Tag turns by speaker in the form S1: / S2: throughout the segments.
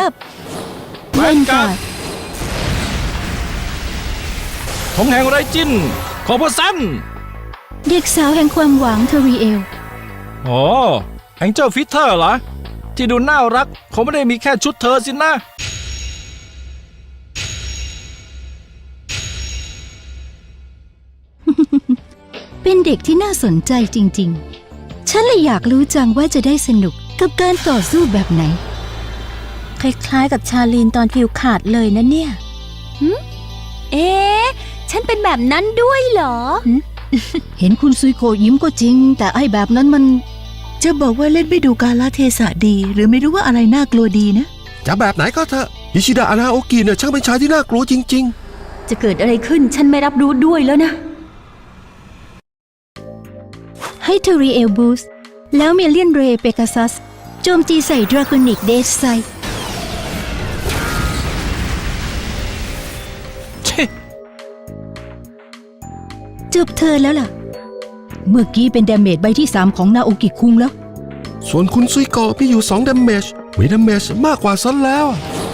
S1: กับแวนการ์ด
S2: ของแห่งไรจินขอพระสัน
S1: เด็กสาวแห่งความหวังเทอรีเอล
S2: อ๋อแองเจิลฟิตเตอร์เหรอที่ดูน่ารักคงไม่ได้มีแค่ชุดเธอสินะ
S1: เป็นเด็กที่น่าสนใจจริงๆฉันเลยอยากรู้จังว่าจะได้สนุกกับการต่อสู้แบบไหน
S3: คล้ายๆกับชาลีนตอนฟิวขาดเลยนะเนี่ย
S4: เอ๊ะฉันเป็นแบบนั้นด้วยเหรอ
S1: เห็นคุณซุยโกยิ้มก็จริงแต่ไอ้แบบนั้นมัน
S5: จะบอกว่าเล่นไม่ดูกาลเทศะดีหรือไม่รู้ว่าอะไรน่ากลัวดีนะ
S6: จะแบบไหนก็เถอะอิชิดะอานาโอกิเนี่ยช่างเป็นชายที่น่ากลัวจริง
S4: จะเกิดอะไรขึ้นฉันไม่รับรู้ด้วยแล้วนะ
S1: ให้เทอรีเอลบูสแล้วเมเลียนเรย์เปกาซัสโจมตีใส่ดราโกนิกเดสไซจบเธอแล้วล่ะเมื่อกี้เป็นดาเมจใบที่3ของนาโอกิคุงแล้ว
S6: ๆส่วนคุณซุยโกะมีอยู่2ดาเมจมีดาเมจมากกว่าซันแล้ว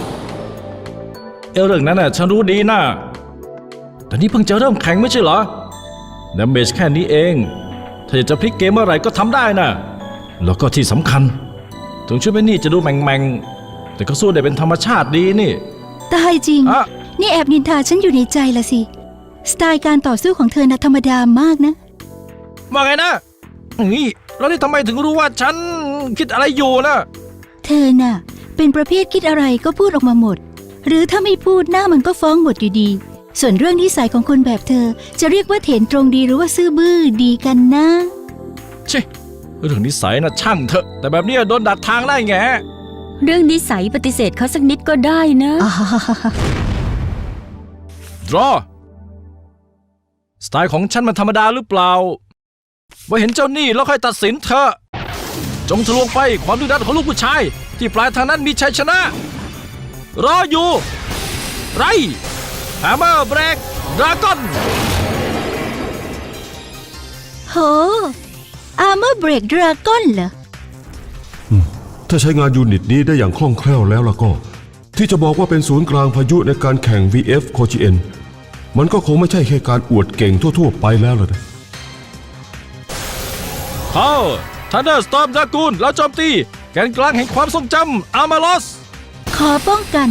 S2: เรื่องนั้นน่ะฉันรู้ดีนะแต่นี่เพิ่งจะเริ่มแข่งไม่ใช่เหรอดาเมจแค่นี้เองถ้าอยากจะพลิกเกมเมื่อไหร่ก็ทำได้นะแล้วก็ที่สำคัญถึงชุดไม่นี่จะดูแมงๆแต่ก็สู้ได้เป็นธรรมชาติดีนี่
S1: ตายจริงนี่แอบนินทาฉันอยู่ในใจละสิสไตล์การต่อสู้ของเธอน่ะธรรมดามากนะ
S2: ว่าไงนะนี่แล้วนี่ทำไมถึงรู้ว่าฉันคิดอะไรอยู่นะ
S1: เธอน่ะเป็นประเภทคิดอะไรก็พูดออกมาหมดหรือถ้าไม่พูดหน้ามันก็ฟ้องหมดอยู่ดีส่วนเรื่องนิสัยของคนแบบเธอจะเรียกว่าเถนตรงดีหรือว่าซื่อบื้อดีกันนะ
S2: ชิเรื่องนิสัยนะช่างเถอะแต่แบบนี้โดนดัดทางได้ไง
S4: เรื่องนิสัยปฏิเสธเขาสักนิดก็ได้นะ
S2: ดรอสไตล์ของฉันมันธรรมดาหรือเปล่าว่าเห็นเจ้านี่แล้วค่อยตัดสินเธอจงทะลวงไปความดุดันของลูกผู้ชายที่ปลายทางนั้นมีชัยชนะรออยู่ไรแฮมเมอร์เบรกดราก้อน
S1: โหอาร์เมอร์เบรกดราก้อนเหรอ
S6: ถ้าใช้งานยูนิตนี้ได้อย่างคล่องแคล่วแล้วก็ที่จะบอกว่าเป็นศูนย์กลางพายุในการแข่ง VF โคจิเอ็นมันก็คงไม่ใช่แค่การอวดเก่งทั่วๆไปแล้วเลยนะ
S2: เข้าทันเดอร์สตอร์มดรากูนแล้วโจมตีแกนกลางแห่งความทรงจำอาร์มาลอส
S1: ขอป้องกัน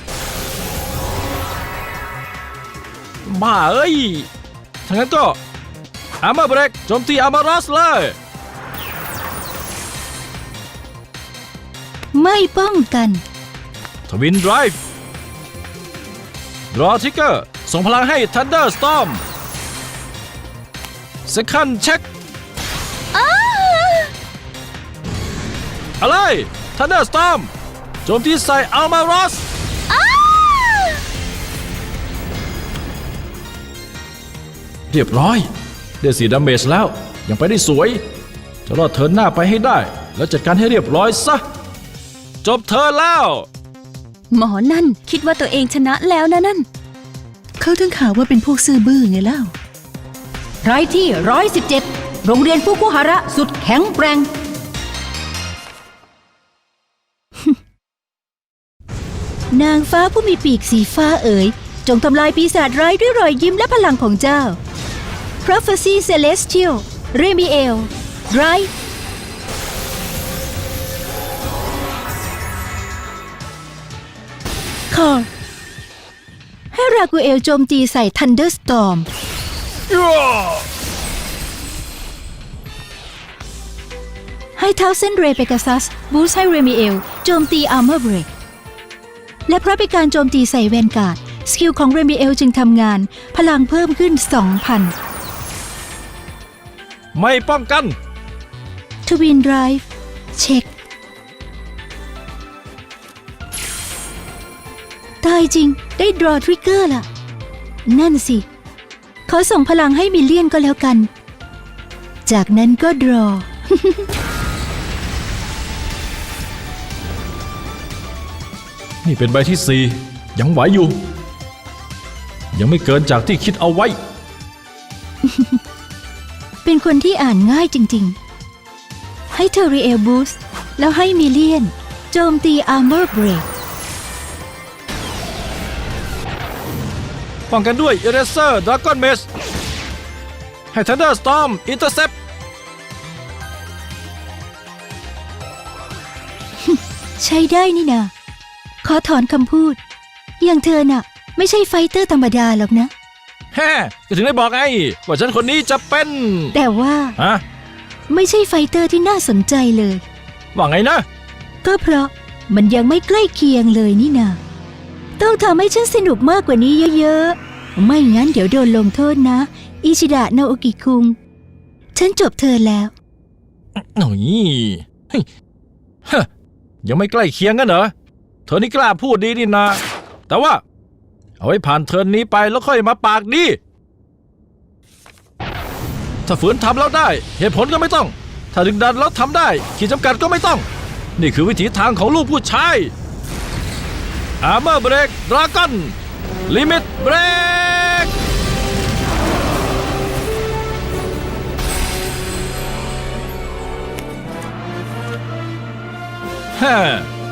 S2: บ้าเอ้ยทั้งนั้นก็อาร์มาเบรกโจมตีอาร์มาลอสเลย
S1: ไม่ป้องกัน
S2: ทวินไดรฟ์ดรอทิกเกอร์ส่งพลังให้ทันเดอร์สตอร์มเซคันด์เช็คอะไรทันเดอร์สตอร์มโจมตีใส่อัลมาโรสเรียบร้อยได้4ดาเมจแล้วยังไปได้สวยจะรอดเทิร์นหน้าไปให้ได้แล้วจัดการให้เรียบร้อยซะจบเทิร์นแล้ว
S4: หมอนั่นคิดว่าตัวเองชนะแล้วนะนั่น
S5: เขาถึงข่าวว่าเป็นพวกซื่อบื้อไงเล่า
S1: ไรที่117โรงเรียนฟุกุฮาระสุดแข็งแกร่งนางฟ้าผู้มีปีกสีฟ้าเอ๋ยจงทำลายปีศาจร้ายด้วยรอยยิ้มและพลังของเจ้า Prophecy Celestial Remiel Drive คอให้รากูเอลโจมตีใส่ Thunderstorm ให้เท้าเส้นเรเปกาซัสบูสต์ให้เรมิเอลโจมตีอาร์เมอร์เบรกและเพราะเป็นการโจมตีใส่แวนการ์ดสกิลของเรมิเอลจึงทำงานพลังเพิ่มขึ้น 2,000
S2: ไม่ป้องกัน
S1: ทวินไดรฟ์เช็คตายจริงได้ดรอทริกเกอร์ล่ะนั่นสิเขาส่งพลังให้มิลเลียนก็แล้วกันจากนั้นก็ดรอ
S2: นี่เป็นใบที่4ยังไหวอยู่ยังไม่เกินจากที่คิดเอาไว้
S1: เป็นคนที่อ่านง่ายจริงๆให้เทอรีเอลบูสแล้วให้มิลเลียนโจมตีอาร์เมอร์เบรก
S2: ป้องกันด้วย Eraser Dragon Mace ให้ Thunderstorm Intercept
S1: ใช้ได้นี่นาขอถอนคำพูด อย่างเธอน่ะ ไม่ใช่ไฟเตอร์ธรรมดาหรอกนะ
S2: แฮ่ก็ถึงได้บอกไงว่าฉันคนนี้จะเป็น
S1: แต่ว่า
S2: ฮะ
S1: ไม่ใช่ไฟเตอร์ที่น่าสนใจเลย
S2: ว่าไงนะ
S1: ก็เพราะมันยังไม่ใกล้เคียงเลยนี่นาต้องทำให้ฉันสนุกมากกว่านี้เยอะๆ ไม่งั้นเดี๋ยวโดนลงโทษนะ อิชิดะนาโอกิคุง ฉันจบเธอแล้ว
S2: หน่อยเฮ้ยฮะยังไม่ใกล้เคียงกันเหรอ เธอนี่กล้าพูดดีนี่นา แต่ว่า เอาไว้ผ่านเทิร์นนี้ไปแล้วค่อยมาปากดี ถ้าฝืนทำแล้วได้ เหตุผลก็ไม่ต้อง ถ้าดึงดันแล้วทำได้ขีดจำกัดก็ไม่ต้อง นี่คือวิถีทางของลูกผู้ชาย Armor Break Dragon Limit Break ฮะ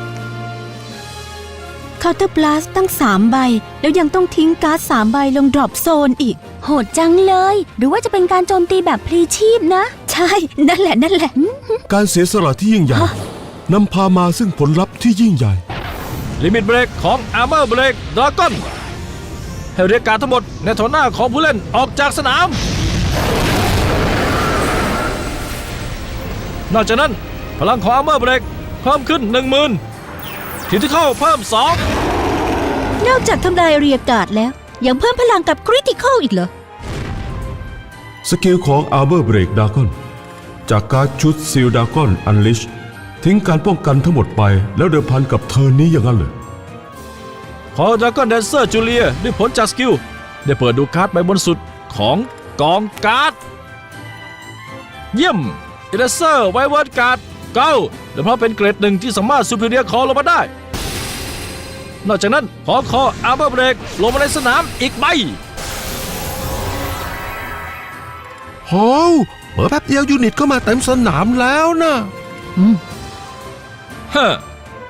S3: เคาน์เตอร์บลัสตั้ง3 ใบ แล้วยังต้องทิ้งการ์ด3 ใบลงดรอปโซนอีก
S4: โหดจังเลย หรือว่าจะเป็นการโจมตีแบบพลีชีพนะ
S3: ใช่ นั่นแหละ
S6: การเสียสละที่ยิ่งใหญ่นำพามาซึ่งผลลัพธ์ที่ยิ่งใหญ่
S2: Limit Break ของ Armor Break Dragon ให้เรียกการดทั้งหมดในแถวหน้าของผู้เล่นออกจากสนาม นอกจากนั้นพลังของ Armor Break เพิ่มขึ้น 10,000 ที่เข้าเพิ่ม
S1: นอกจากทำลายเรียกการ์ดแล้ว ยังเพิ่มพลังกับคริติคอลอีกเหรอ
S6: สกิลของ Arbor Break Dragon จากการ์ดชุด Seal Dragon Unleash ทิ้งการป้องกันทั้งหมดไปแล้วเดิมพันกับเทิร์นนี้อย่างนั้นเลย
S2: 2 ขอ Dragon Dancer Julia ด้วยผลจากสกิล ได้เปิดดูการ์ดใบบนสุดของกองการ์ด เยี่ยม Eraser Wyvern Guard เก้าและเพราะเป็นเกรดหนึ่งที่สามารถ Superior Call ลงมาได้ นอกจากนั้นขอ Armor Break ลงมาในสนามอีกใบ
S7: โหเปิดแป๊บเดียวยูนิตก็มาเต็มสนามแล้วนะ
S2: ฮะ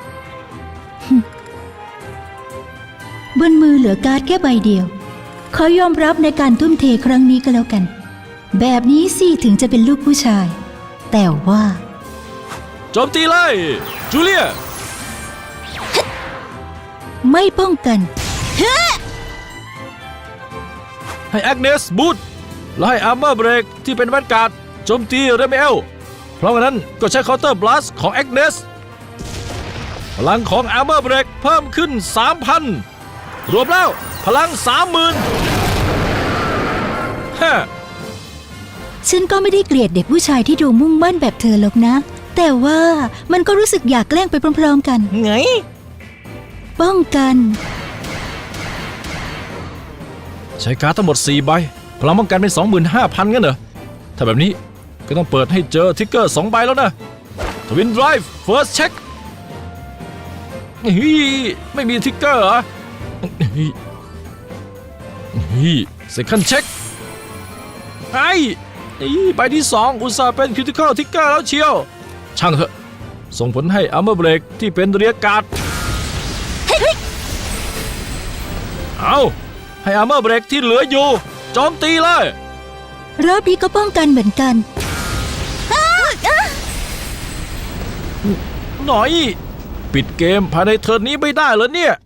S1: บนมือเหลือการ์ดแค่ใบเดียว ขอยอมรับในการทุ่มเทครั้งนี้ก็แล้วกัน แบบนี้สิถึงจะเป็นลูกผู้ชาย แต่ว่า
S2: โจมตีเลย จูเลีย
S1: ไม่ป้องกัน
S2: ให้แอกเนสบูทและให้ Armor Break ที่เป็นแวนการ์ดโจมตีเรเมเอลเพราะงั้นก็ใช้ Counter Blast ของแอกเนสพลังของ Armor Break เพิ่มขึ้น 3,000 รวมแล้วพลัง 30,000 ฮะ
S1: ฉันก็ไม่ได้เกลียดเด็กผู้ชายที่ดูมุ่งมั่นแบบเธอหรอกนะ แต่ว่ามันก็รู้สึกอยากแกล้งไปพร้อมๆกัน
S2: ไง
S1: ป้องกัน
S2: ใช้การ์ดทั้งหมด 4 ใบ พลังป้องกันเป็น 25,000 งั้นเหรอ ถ้าแบบนี้ก็ต้องเปิดให้เจอทิกเกอร์ 2 ใบแล้วนะ Twin Drive First Check ไม่มีทิกเกอร์เหรอ Second Check ใบที่ 2 อุตส่าห์เป็น Critical Trigger แล้วเชียว ช่างเถอะ ส่งผลให้ Armor Break ที่เป็นเรียกการ์ดเอาให้ Armor Break ที่เหลืออยู่โจมตีเลย
S1: รอบนี้ก็ป้องกันเหมือนกัน
S2: หน่อย ปิดเกมภายในเทิร์นนี้ไม่ได้เหรอเนี่ย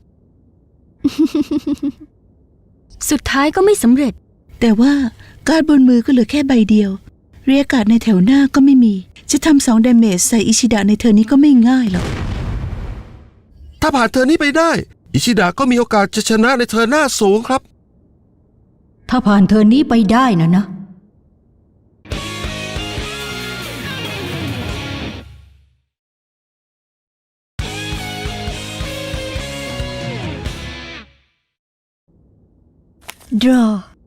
S3: สุดท้ายก็ไม่สำเร็จ
S5: แต่ว่าการ์ดบนมือก็เหลือแค่ใบเดียว เรียกการ์ดในแถวหน้าก็ไม่มี จะทำ2 ดาเมจใส่อิชิดะในเทอร์นนี้ก็ไม่ง่ายหรอก
S7: ถ้าผ่านเธอนี้ไปได้ อิชิดะก็มีโอกาสจะชนะในเธอหน้าสูงครับ
S1: ถ้าผ่านเธอนี้ไปได้นะ draw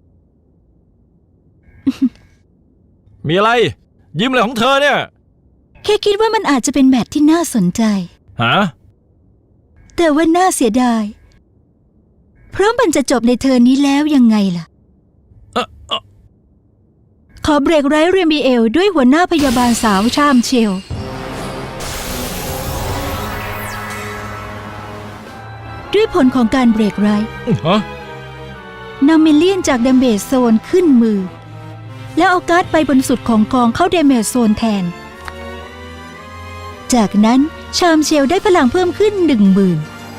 S2: มีอะไร ยิ้มอะไรของเธอเนี่ย
S1: แค่คิดว่ามันอาจจะเป็นแมตช์ที่น่าสนใจ
S2: ฮะ
S1: แต่ว่าน่าเสียดาย เพราะมันจะจบในเทอร์นนี้แล้วยังไงล่ะ ขอเบรกไร้เรมิเอลด้วยหัวหน้าพยาบาลสาวชามเชล ด้วยผลของการเบรกไร้
S2: ฮะ
S1: นำมิลเลียนจากเดมเบจโซนขึ้นมือ แล้วเอาการ์ดไปบนสุดของกองเข้าเดมเบจโซนแทน จากนั้นชามเชลได้พลังเพิ่มขึ้น 10,000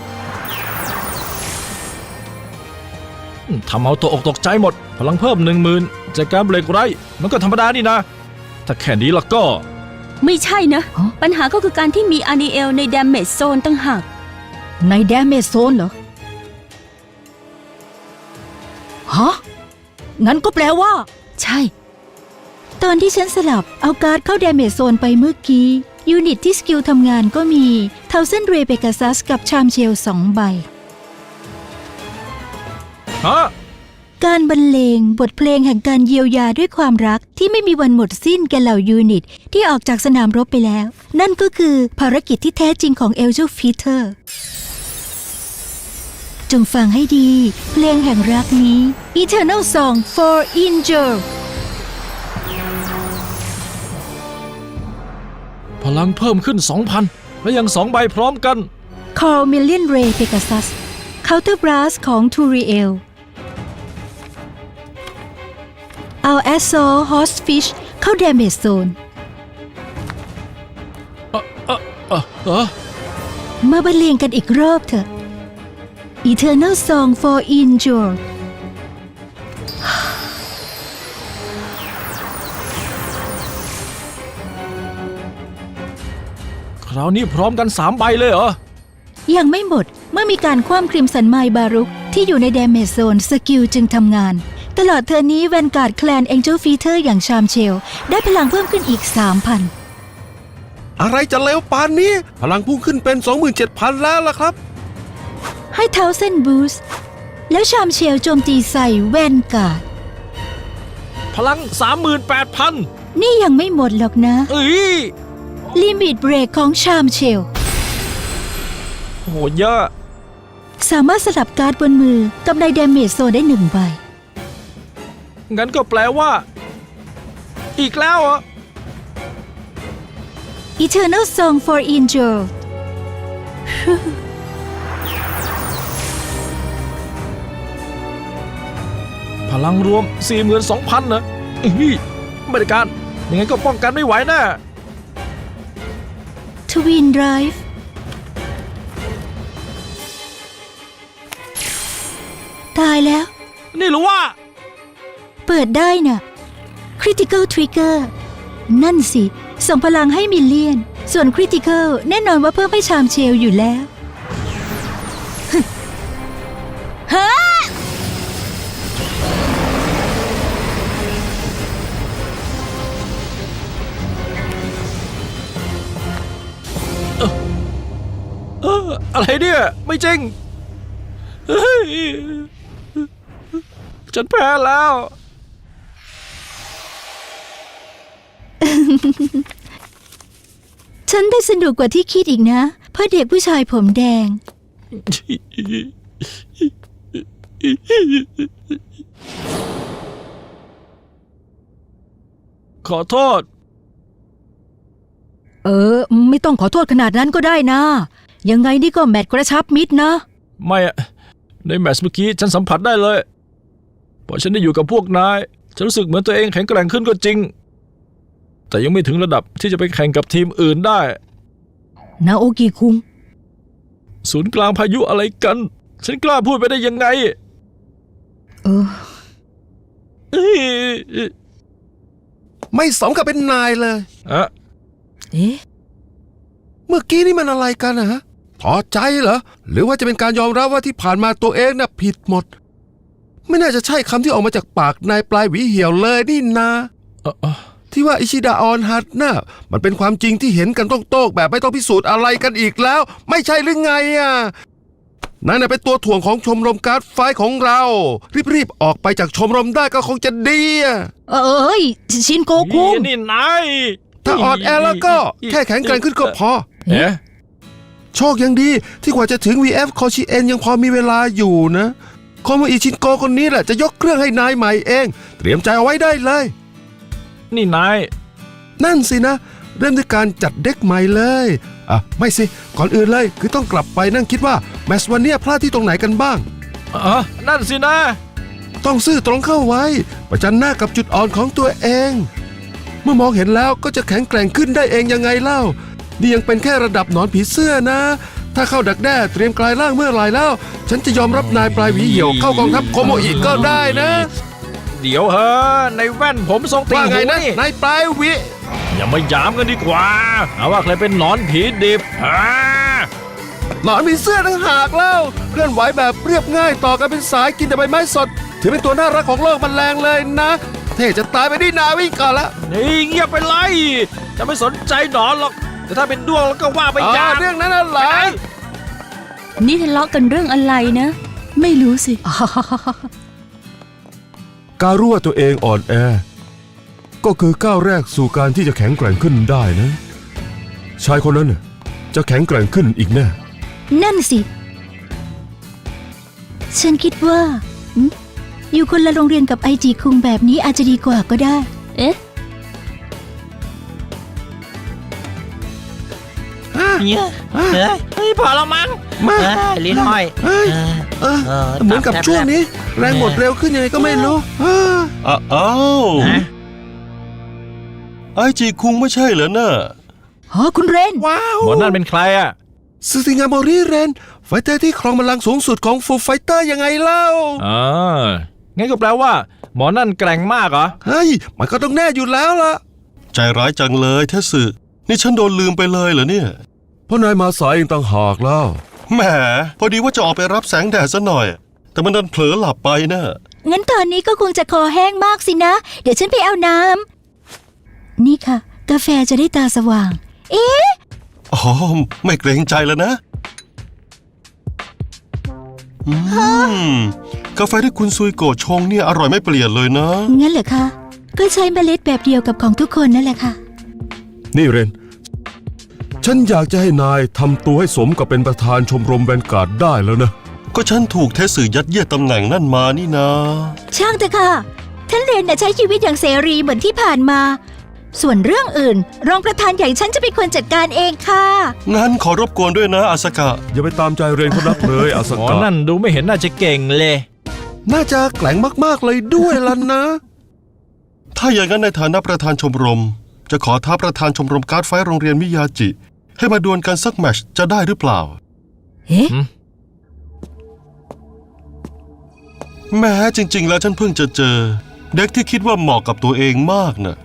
S2: ทำเอาตัวอกตกใจหมด พลังเพิ่ม 10,000 จากการเบรกไรมันก็ธรรมดานี่นะ ถ้าแค่นี้แล้วก็
S4: ไม่ใช่นะ
S1: ฮะ
S4: ปัญหาก็คือการที่มีอานิเอลในดามเมจโซนตั้งหาก
S1: ในเดมเบจโซนเหรอ ฮะ งั้นก็แปลว่า
S4: ใช่
S1: ตอนที่ฉันสลับเอาการ์ดเข้าเดมเมจโซนไปเมื่อกี้ ยูนิตที่สกิลทำงานก็มีเทาเส้นเรเปกาซัสกับชามเชล2 ใบ
S2: ฮะ
S1: การบรรเลงบทเพลงแห่งการเยียวยาด้วยความรักที่ไม่มีวันหมดสิ้นแก่เหล่ายูนิตที่ออกจากสนามรบไปแล้ว นั่นก็คือภารกิจที่แท้จริงของเอลเจลฟีเตอร์จงฟังให้ดี เพลงแห่งรักนี้ Eternal Song for Angel
S2: พลังเพิ่มขึ้น 2,000 และยัง2 ใบพร้อมกัน
S1: Call Million Ray Pegasus Counter Blast ของ Turiel เอา Assault Hostfish เข้า Damage Zone มาบรรเลงกันอีกรอบเถอะ Eternal Song for Angel
S2: คราวนี้พร้อมกัน 3 ใบเลยเหรอ
S1: ยังไม่หมดเมื่อมีการคว่ำคริมสันไมล์บารุกที่อยู่ใน Damage Zone สกิลจึงทำงาน ตลอดเทอร์นี้แวนการ์ดแคลน Angel Feeder อย่างชามเชลได้พลังเพิ่มขึ้นอีก 3,000
S7: อะไรจะเร็วปานนี้ พลังพุ่งขึ้นเป็น 27,000 แล้วล่ะครับ
S1: ให้เท้าเส้นบูสต์แล้วชามเชลโจมตีใส่แวนการ์ด
S2: พลัง 38,000
S1: นี่ยังไม่หมดหรอกนะ
S2: เอ้ย
S1: ลิมิตเบรกของชามเชล
S2: โหเยอะ
S1: สามารถสลับการ์ดบนมือกับใน Damage Zone ได้1 ใบ
S2: งั้นก็แปลว่า อีกแล้วเหรอ
S1: Eternal Song for Angel
S2: พลังรวม 42,000 นะไม่ได้การยังไงก็ป้องกันไม่ไหวแน่
S1: Twin Drive ตายแล้ว
S2: นี่หรือว่า
S1: เปิดได้น่ะ Critical Trigger นั่นสิ ส่งพลังให้มิลเลียน ส่วน Critical แน่นอนว่าเพิ่มให้ชามเชลอยู่แล้ว
S2: อะไรเนี่ย ไม่จริงเฮ้ยฉันแพ้แล้ว
S1: ฉันได้สนุกกว่าที่คิดอีกนะ เพื่อเด็กผู้ชายผมแดง
S2: ขอโทษ
S1: ไม่ต้องขอโทษขนาดนั้นก็ได้นะ ยังไงนี่ก็แมตช์กระชับมิตรนะ
S2: ไม่อะในแมตช์เมื่อกี้ฉันสัมผัสได้เลยพอฉันได้อยู่กับพวกนายฉันรู้สึกเหมือนตัวเองแข็งแกร่งขึ้นก็จริง แต่ยังไม่ถึงระดับที่จะไปแข่งกับทีมอื่นได้
S1: นาโอกิคุง
S2: ศูนย์กลางพายุอะไรกัน ฉันกล้าพูดไปได้ยังไง
S1: เออ
S2: เอ้ย
S7: ไม่สมกับเป็นนายเลย
S2: อะ
S1: เอ๊ะ
S7: เมื่อกี้นี่มันอะไรกันนะฮะพอใจเหรอ หรือว่าจะเป็นการยอมรับว่าที่ผ่านมาตัวเองน่ะผิดหมด ไม่น่าจะใช่คำที่ออกมาจากปากนายปลายหวีเหี่ยวเลยนี่นา ที่ว่าอิชิดะออนฮัตน่ะมันเป็นความจริงที่เห็นกันโต้งๆแบบไม่ต้องพิสูจน์อะไรกันอีกแล้ว ไม่ใช่หรือไงอ่ะนั่นน่ะเป็นตัวถ่วงของชมรมการ์ดไฟท์ของเรา รีบๆออกไปจากชมรมได้ก็คงจะดีอ่ะ
S1: เอ้ย ชินโกคุง
S2: นี่นาย
S7: ถ้าอ่อนแอแล้วก็แค่แข็งแกร่งขึ้นก็พอ
S2: เอ๊ะ
S7: โชคยังดีที่กว่าจะถึง VF โคชิเอ็นยังพอมีเวลาอยู่นะโคโมอิชินโกคนนี้แหละจะยกเครื่องให้นายใหม่เอง เตรียมใจเอาไว้ได้เลย
S2: นี่นาย
S7: นั่นสินะ เริ่มด้วยการจัดเด็กใหม่เลยไม่สิ ก่อนอื่นเลยคือต้องกลับไปนั่งคิดว่าแมตช์วันเนี้ยพลาดที่ตรงไหนกันบ้าง
S2: นั่นสินะ
S7: ต้องซื่อตรงเข้าไว้ ประจันหน้ากับจุดอ่อนของตัวเอง เมื่อมองเห็นแล้วก็จะแข็งแกร่งขึ้นได้เองยังไงเล่า นี่ยังเป็นแค่ระดับหนอนผีเสื้อนะ ถ้าเข้าดักแด้เตรียมกลายร่างเมื่อไหร่แล้ว ฉันจะยอมรับนายปลายหวีเหี่ยวเข้ากองทัพโคโมอิก็ได้นะ
S2: เดี๋ยวเฮ้ในแว่นผมทรงติ่
S7: ว่าง ไง
S2: หู
S7: นะ
S2: นี่
S7: นายปลายหวี
S2: อย่ามาหยามกันดีกว่าเอาว่าใครเป็นหนอนผีดิบ
S7: หนอนผีเสื้อต่างหากเล่าเคลื่อนไหวแบบเรียบง่ายต่อกันเป็นสายกินแต่ใบไม้สดถือเป็นตัวน่ารักของโลกแมลงเลยนะเท่จะตายไปดินาวิ่งก่อนละ
S2: นี่เงียบไปเลยจะไม่สนใจหนอนหรอกแต่ถ้าเป็นด้วงแล้วก็ว่าไปอย่าง
S7: เรื่องนั้นน่ะเหรอ
S4: นี่ทะเลาะกันเรื่องอะไรนะ
S5: ไม่รู้สิ
S6: การรู้ว่าตัวเองอ่อนแอ ก็คือก้าวแรกสู่การที่จะแข็งแกร่งขึ้นได้นะ ชายคนนั้นน่ะจะแข็งแกร่งขึ้นอีกแน่
S1: นั่นสิ ฉันคิดว่าอยู่คนละโรงเรียนกับไอจีคุงแบบนี้อาจจะดีกว่าก็ได้
S4: เอ๊ะ
S2: เฮ้ยพอแล้วมั้ง
S7: มา
S2: ลิ้นห้อย
S7: เฮ้ยเหมือนกับช่วงนี้ แรงหมดเร็วขึ้นยังไงก็ไม่รู้
S8: อ้าวไอจีคุงไม่ใช่เหรอน่ะ
S1: อ๋อ คุณเรน
S7: ว้าว
S2: หมอนั่นเป็นใครอ่ะ
S7: ซูซิงาโมริเรนไฟเตอร์ที่ครองบัลลังก์สูงสุดของฟูไฟเตอร์ยังไงเล่า
S2: อ่างั้นก็แปลว่า หมอนั่นแกร่งมากเหรอ
S7: เฮ้ยมันก็ต้องแน่อยู่แล้วล่ะ
S8: ใจร้ายจังเลยเทสึนี่ฉันโดนลืมไปเลยเหรอเนี่ย
S6: เพราะนายมาสายเองต่างหากแล้ว
S8: แหมพอดีว่าจะออกไปรับแสงแดดซะหน่อย แต่มันดันเผลอหลับไปนะ
S1: งั้นตอนนี้ก็คงจะคอแห้งมากสินะ เดี๋ยวฉันไปเอาน้ำ นี่ค่ะ กาแฟจะได้ตาสว่าง เอ๊ะ
S8: อ๋อไม่เกรงใจแล้วนะกาแฟที่คุณซุยโกะชงเนี่ยอร่อยไม่เปลี่ยนเลยนะ
S1: งั้นเหรอคะ ก็ใช้เมล็ดแบบเดียวกับของทุกคนนั่นแหละค่ะ
S6: นี่เรน ฉันอยากจะให้นายทำตัวให้สมกับเป็นประธานชมรมแวนการ์ดได้แล้วนะ
S8: ก็ฉันถูกเทสึยัดเยียดตำแหน่งนั่นมานี่นะ
S1: ช่างเถอะค่ะ ท่านเรนน่ะใช้ชีวิตอย่างเสรีเหมือนที่ผ่านมา ส่วนเรื่องอื่น รองประธานใหญ่ฉันจะเป็นคนจัดการเองค่ะ
S8: งั้นขอรบกวนด้วยนะอาสกะ
S6: อย่าไปตามใจเรนเขานักเลยอาส
S2: หมอก
S6: ะ
S2: นั่นดูไม่เห็นน่าจะเก่งเลย
S7: น่าจะแกร่งมากๆเลยด้วยล่ะนะ
S8: ถ้าอย่างนั้นในฐานะประธานชมรม จะขอท้าประธานชมรมการ์ดไฟท์โรงเรียนมิยาจิ ให้มาดวลกันสักแมตช์จะได้หรือเปล่า
S1: เอ๊ะ
S8: แม้จริงๆแล้วฉันเพิ่งจะเจอ เด็กที่คิดว่าเหมาะกับตัวเองมากน่ะ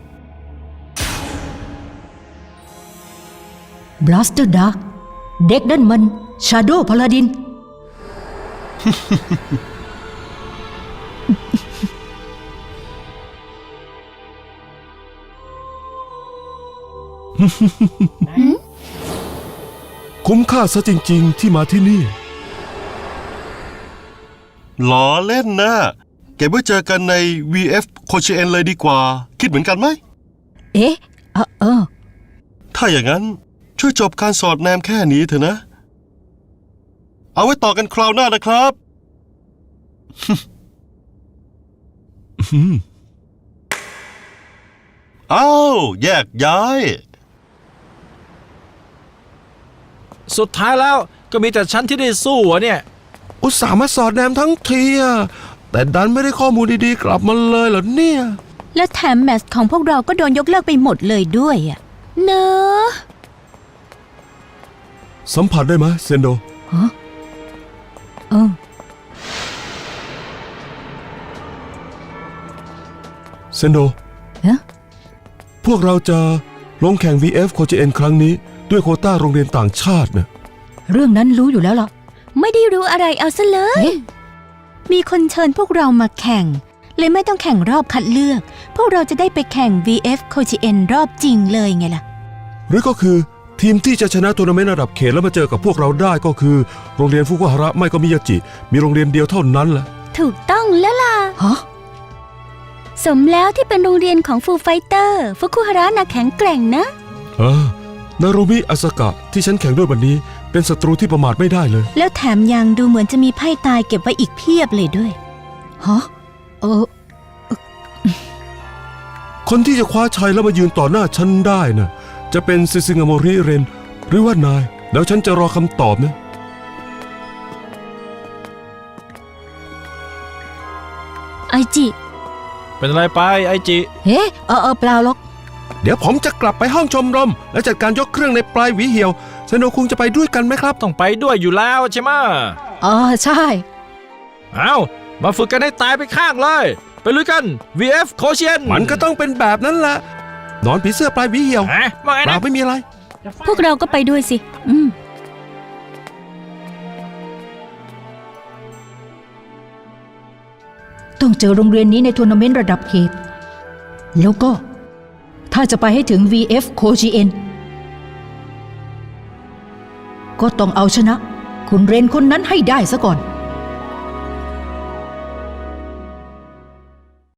S1: บลัสเตอร์ดักเด็กนั่นมันชาโดว์พาลาดิน
S6: คุ้มค่าซะจริง ๆ ที่มาที่นี่
S8: ล้อเล่นนะเก็บไว้เจอกันใน VF โคชิเอ็นเลยดีกว่า คิดเหมือนกันไหม
S1: เอ๊ะเออ
S8: ถ้าอย่างนั้นช่วยจบการสอดแนมแค่นี้เถอะนะ เอาไว้ต่อกันคราวหน้านะครับ อ้าวแยกย้าย
S2: สุดท้ายแล้วก็มีแต่ฉันที่ได้สู้อะเนี่ย
S7: อุตส่าห์มาสอดแนมทั้งทีอะแต่ดันไม่ได้ข้อมูลดีๆกลับมาเลยเหรอเนี่ย
S3: และแถมแมตช์ของพวกเราก็โดนยกเลิกไปหมดเลยด้วยอ่ะ
S4: เนอะ
S6: สัมผัสได้ไหมเซนโด
S1: เออ
S6: เซนโด
S1: เอ๊ะ
S6: พวกเราจะลงแข่ง VF โคจิเอ็นครั้งนี้ด้วยโควต้าโรงเรียนต่างชาตินะ
S1: เรื่องนั้นรู้อยู่แล้วล่ะ
S4: ไม่ได้รู้อะไรเอาซะเลย
S1: เอ๊ะ
S3: มีคนเชิญพวกเรามาแข่ง เลยไม่ต้องแข่งรอบคัดเลือก พวกเราจะได้ไปแข่ง VF โคจิเอ็นรอบจริงเลยไงล่ะ
S6: หรือก็คือทีมที่จะชนะทัวร์นาเมนต์ระดับเขตแล้วมาเจอกับพวกเราได้ก็คือโรงเรียนฟุกุฮาระไม่ก็มิยาจิ มีโรงเรียนเดียวเท่านั้นแหละ
S4: ถูกต้องแล้วล่ะ
S1: ฮะ
S4: สมแล้วที่เป็นโรงเรียนของฟูไฟเตอร์ฟุคุฮาระน่ะแข็งแกร่งนะ
S6: นารุมิอาสกะที่ฉันแข่งด้วยวันนี้เป็นศัตรูที่ประมาทไม่ได้เลย
S3: แล้วแถมยังดูเหมือนจะมีไพ่ตายเก็บไว้อีกเพียบเลยด้วย
S1: ฮะเออ
S6: คนที่จะคว้าชัยแล้วมายืนต่อหน้าฉันได้น่ะจะเป็นซิซิงาโมริเรนหรือว่านาย แล้วฉันจะรอคำตอบนะ
S4: ไอจิ
S2: เป็นอะไรไปไอจิ
S1: เฮ้เปล่าหรอก
S7: เดี๋ยวผมจะกลับไปห้องชมรม และจัดการยกเครื่องในปลายหวีเหี่ยวเซโนคุงจะไปด้วยกันไหมครับ
S2: ต้องไปด้วยอยู่แล้วใช่ไหมะ
S1: ใช่
S2: เอามาฝึกกันให้ตายไปข้างเลย ไปลุยกัน VF โคเชียน
S7: มันก็ต้องเป็นแบบนั้นแหละนอนผีเสื้อปลายหวีเหี่ยว
S2: ฮะว่าไง
S7: เรา
S2: นะ
S7: ไม่มีอะไร
S4: พวกเราก็ไปด้วยสิ
S1: ต้องเจอโรงเรียนนี้ในทัวร์นาเมนต์ระดับเขต แล้วก็ ถ้าจะไปให้ถึง VF โคจิเอ็นก็ต้องเอาชนะ คุณเรนคนนั้นให้ได้ซะก่อน